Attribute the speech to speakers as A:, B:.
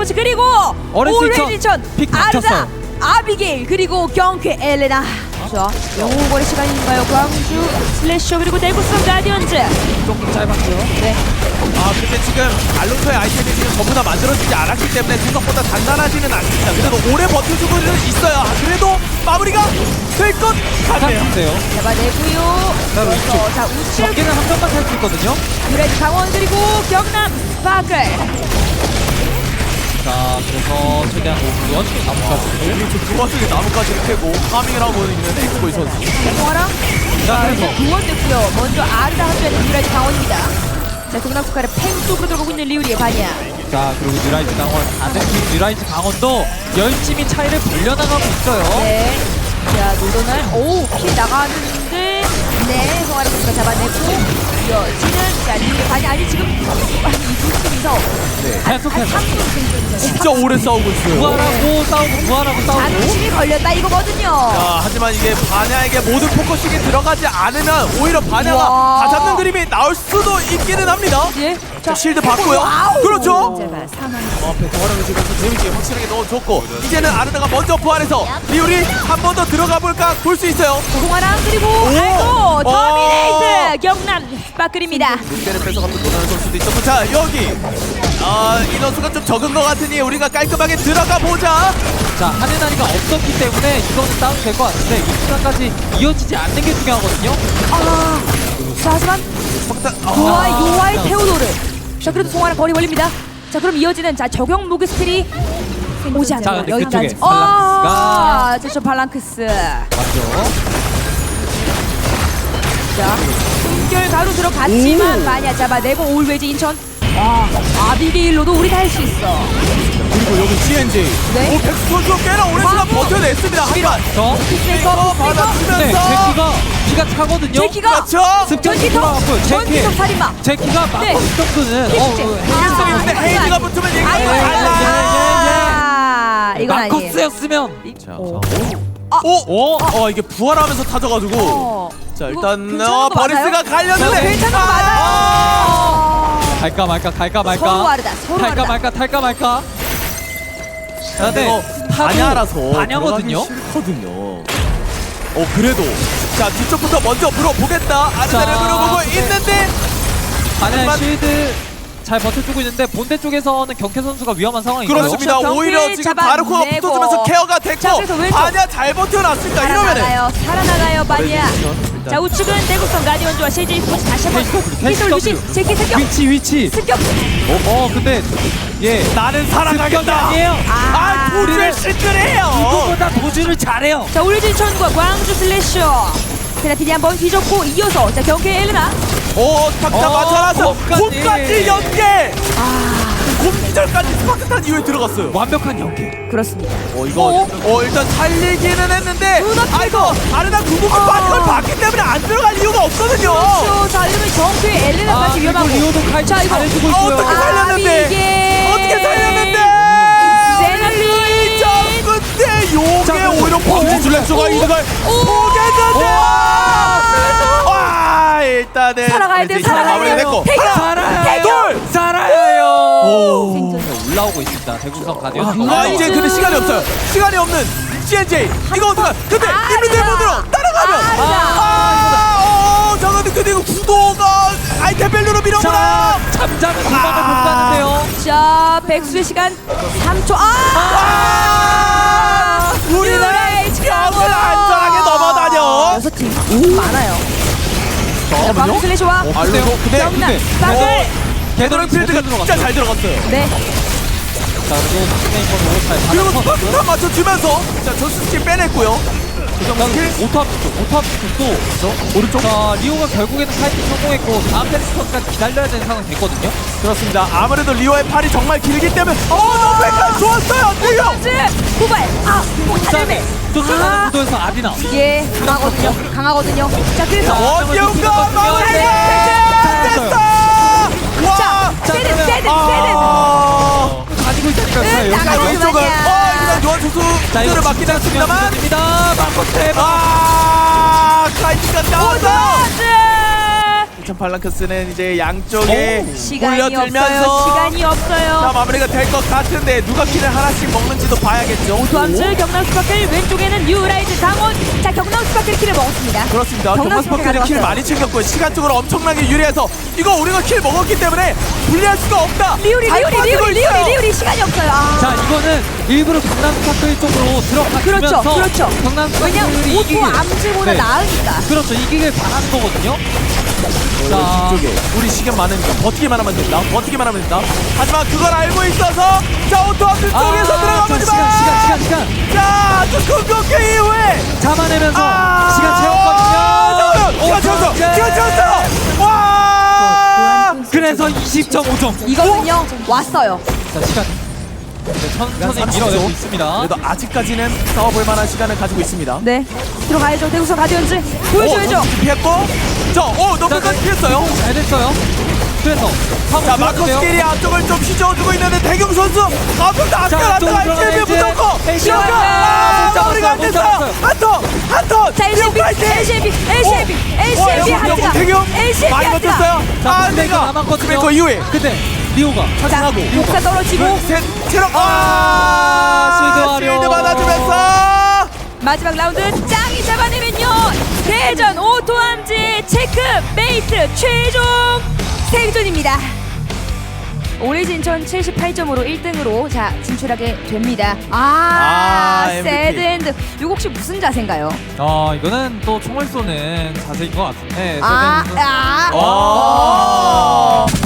A: 스포츠 그리고
B: 오렌지천 픽
A: 아르다
B: 막혔어요.
A: 아비게일 그리고 경쾌 엘레나. 자, 영웅거리 시간인가요? 광주 슬래셔 그리고 대구성 가디언즈.
B: 조금 짧았고요.
A: 네.
C: 근데 지금 알론소의 아이템이 지금 전부 다 만들어지지 않았기 때문에 생각보다 단단하지는 않습니다. 그래도 오래 버텨주고는 있어요. 그래도 마무리가 될 것 같네요.
B: 같은데요.
A: 잡아내고요.
B: 자, 우측.
A: 자, 우측
B: 경기는 한 점만 할 수 있거든요.
A: 유레드 강원 그리고 경남 스파클.
B: 자, 그래서 최대한 5분 나무까지를.
C: 지금 두 번째 나무까지를 캐고 파밍을 하고 있는 엑스보이 선수.
A: 홍화랑
B: 자, 그래서
A: 구원됐고요. 먼저 아르다 합류하는 유레드 강원입니다. 자, 경남 스파클의 팽 쪽으로 들어가고 있는 리우리의 반야.
B: 자, 그리고 뉴라이즈 강원 다른 팀 뉴라이즈 강원도 열심히 차이를 벌려나가고 있어요.
A: 네. 자, 노donal 킬 나가는데 네, 홍아라 선수가 잡아내고 이어지는 자, 리우리의 반야. 아니 지금 이두 팀이서
B: 계속해서
A: 3분
C: 진짜 오래 싸우고 있어요.
B: 부활하고 싸우고 부활하고 싸우고.
A: 자존심이 걸렸다 이거거든요.
C: 하지만 이게 바냐에게 모든 포커싱이 들어가지 않으면 오히려 바냐가
A: 우와.
C: 다 잡는 그림이 나올 수도 있기는 합니다.
A: 예.
C: 자, 실드 받고요.
A: 와우.
C: 그렇죠.
A: 제발 사망.
C: 앞에 동화랑을 주면서 재밌게 확실하게 넣어줬고 이제는 아르다가 먼저 부활해서 리우리 한 번 더 들어가 볼까 볼 수 있어요.
A: 홍아랑 그리고 알고 터미네이트 경남 스파클입니다.
C: 롯데를 뺏어가면 도나는 선수도 있었고 자 여기 인원수가 좀 적은 것 같으니 우리가 깔끔하게 들어가 보자.
B: 자, 하는 난이가 없었기 때문에 이거는 다운 될 것 같은데 이 시간까지 이어지지 않는 게 중요하거든요.
A: 자, 하지만 요아이 테오도르. 자, 그래도 송아랑 거리 걸립니다. 자, 그럼 이어지는 자 적용 무기 스킬이 오지
B: 자,
A: 않아요.
B: 근데
A: 여기까지.
B: 그쪽에 발랑크스가
A: 자, 저 발랑크스.
B: 맞죠?
A: 자, 숨결 가로 들어갔지만 마냐 잡아내고 올웨지 인천. 아비게일로도 우리 다 할 수 있어.
C: 그리고 여기 CNJ
A: 네.
C: 백수 선수가 꽤나 오랜 시간 버텨냈습니다. 하지만
B: 저
A: 피스메이커
B: 근데
C: 받아주면서
B: 제키가 피가 차거든요.
A: 제키가
C: 그렇죠.
B: 습격이
A: 전기톱
B: 돌아왔고요. 제키
A: 전기톱 살인마.
B: 제키가
A: 네.
B: 막고 정도는
C: 일성이 근데 헤이즈가 붙으면 얘기가
A: 아이고,
C: 달라.
A: 이건 아니에요.
B: 마커스였으면
C: 이게 부활하면서 타져가지고 자 일단
A: 괜찮은 거
C: 버리스가
A: 맞아요?
C: 갈렸는데
A: 괜찮은 거 맞아요.
B: 갈까 말까 갈까 말까
A: 서로 다르다. 서로
B: 탈까
A: 다르다.
B: 말까 탈까 말까. 자,
C: 이거 반야라서
B: 반야거든요.
C: 싫거든요. 그래도 자 뒤쪽부터 먼저 물어보겠다. 아르다를
B: 자,
C: 물어보고
B: 근데
C: 있는데
B: 반야
C: 하지만-
B: 실드 잘 버텨주고 있는데 본대 쪽에서는 경쾌 선수가 위험한 상황이고요.
C: 그렇습니다.
A: 경기
C: 오히려 지금
A: 잡아내고.
C: 바르코가 붙어주면서 케어가
A: 자,
C: 됐고
A: 그래서 왼쪽.
C: 반야 잘 버텨놨으니까 이러면은
A: 살아나가요 마니아.
C: 일단.
A: 자, 우측은 대구성 가디언즈와 CJ 스포츠 다시 한번
B: KCW.
A: 위치 제키 습격
B: 위치
A: 습격.
B: 근데 예
C: 나는
B: 습격이
C: 살아가겠다.
B: 아니에요.
C: 도주를 실드해요.
B: 누구보다 도주를 잘해요.
A: 자, 울진천과 광주 슬래셔. 세라틴이 한번 뒤졌고 이어서 자 경쾌 엘레나.
C: 탁자 맞춰놨어.
B: 홈까지.
C: 홈까지 연계. 홈기절까지 스파크탄 이후에 들어갔어요.
B: 완벽한 연계.
A: 그렇습니다.
C: 이거 일단 살리기는 했는데
A: 눈앞에서.
C: 아르다 구급기 빠지걸 봤기 때문에 안 들어갈 이유가 없거든요.
A: 그렇죠. 자, 이러면 경쾌 엘레나까지
B: 그리고
A: 위험하고.
B: 리오도 칼
A: 자, 이거
B: 잘해주고 있고요.
C: 어떻게 살렸는데?
A: 이게
C: 어떻게 살렸는데?
A: 세나핀.
C: 자, 근데 요게
B: 자,
C: 오히려 범죄 줄렉소가 이득을
A: 오.
C: 보겠는데. 일단은
A: 살아가야 돼,
C: 이제
A: 살아가야
C: 마무리됐고.
A: 돼요.
B: 살아요.
C: 둘.
B: 살아요.
A: 생존.
B: 올라오고 있습니다. 대구성 가디언.
C: 이제 근데 시간이 없어요. 시간이 없는 CNJ. 이거 어떡하? 근데 이민들 분으로 따라가면. 잠깐만 근데 이거 구도가 아이템 밸류로 밀어보라.
B: 잠자는 도망을 못 가는데요.
A: 자, 백수의 시간 3초.
C: 우리나라의 벽을 안전하게 넘어다녀.
A: 6팀 많아요. 자, 광주 슬래시와
C: 알로
A: 경남 스파클.
C: 게더링 필드가 진짜 잘 들어갔어요.
A: 네.
B: 자, 그리고 스네이커로 잘
C: 그리고
B: 받아서
C: 스파크탄 맞춰주면서 자 전수 스킬 빼냈고요.
B: 오탑 쪽도
C: 오른쪽.
B: 자, 리오가 결국에는 파이팅 성공했고 다음 페리스턴까지 기다려야 되는 상황이 됐거든요.
C: 그렇습니다. 아무래도 리오의 팔이 정말 길기 때문에 너무 좋았어요. 리오.
A: 후발. 못하네.
B: 쫓아가는 구도에서 아디나.
A: 예, 강하거든요. 자, 그래서
C: 원기웅가 마무리 됐어. 와.
A: 세든.
B: 가지고 있다니까요.
A: 응,
B: 여기까지.
A: 나가지
C: 왼쪽은
A: 마냐.
C: 일단 요한 투수를 맞긴 했습니다만.
B: 입니다. 마코테.
C: 카이트가 나왔어. 자, 팔랑크스는 이제 양쪽에
A: 시간이 없어요.
C: 몰려들면서
A: 시간이
C: 자,
A: 없어요.
C: 마무리가 될 것 같은데 누가 킬을 하나씩 먹는지도 봐야겠죠.
A: 도함즈 경남 스파클 왼쪽에는 뉴라이즈 강원. 자 경남 스파클 킬을 먹었습니다.
C: 그렇습니다.
A: 경남
C: 경남 스파클이 킬
A: 가져갔어요.
C: 많이 챙겼고요. 시간적으로 엄청나게 유리해서 이거 우리가 킬 먹었기 때문에 불리할 수가 없다.
A: 리우리
C: 잘 버티고 있어요.
A: 시간이 없어요. 아.
B: 자 이거는 일부러 경남 스파클 쪽으로 들어가면서
A: 그렇죠.
B: 경남
A: 왜냐면
B: 스파클이
A: 오토 암즈보다
B: 네.
A: 나으니까.
B: 그렇죠 이기길 바라는 거거든요. 자
C: 뒤쪽에 우리 시간 많으니까 버티기만 하면 된다. 버티기만 하면 된다. 하지만 그걸 알고 있어서 자 오토함들 쪽에서 들어가보지 마.
B: 시간
C: 자, 또 공격기 이후에
B: 잡아내면서
C: 아,
B: 시간 채웠거든요.
C: 시간 채웠어요. 와!
B: 그래서 20.5점.
A: 이거는요 왔어요.
B: 자 시간 천천히
C: 30초.
B: 밀어내고 있습니다.
C: 그래도 아직까지는 싸워볼 만한 시간을 가지고 있습니다.
A: 네 들어가야죠. 대구선 가디언즈 보여줘야죠.
C: 피했고, 너무까지 피했어요.
B: 잘 됐어요. 그래서
C: 자, 마커스끼리 앞쪽을 좀 휘저어주고 있는데 대경 선수 앞쪽도 아껴놨다가
B: 들어가야지.
C: HLB 무조건
B: HLB.
C: 시어가
B: 못
C: 마무리가 안 됐어요.
B: 잡았어요.
C: 한턴
A: 자 LCB 하트가
C: 대경
A: LCB
C: 많이
A: 하트가.
C: 버텼어요.
B: 자 내가 남았거든요.
C: 그 이후에
B: 근데 리오가
A: 자
C: 차징하고
A: 목사 떨어지고
C: 셋 체력
B: 실드
C: 실드 받아주면서
A: 마지막 라운드 짱이 잡아내면요 대전 오토함즈 체크 메이트 최종 생존입니다. 오리진 전 78점으로 1등으로 자 진출하게 됩니다.
C: MVP.
A: 새드엔드 이거 혹시 무슨 자세인가요?
B: 이거는 또 총을 쏘는 자세인 것 같은데.
A: 아,
B: 세대는
A: 아,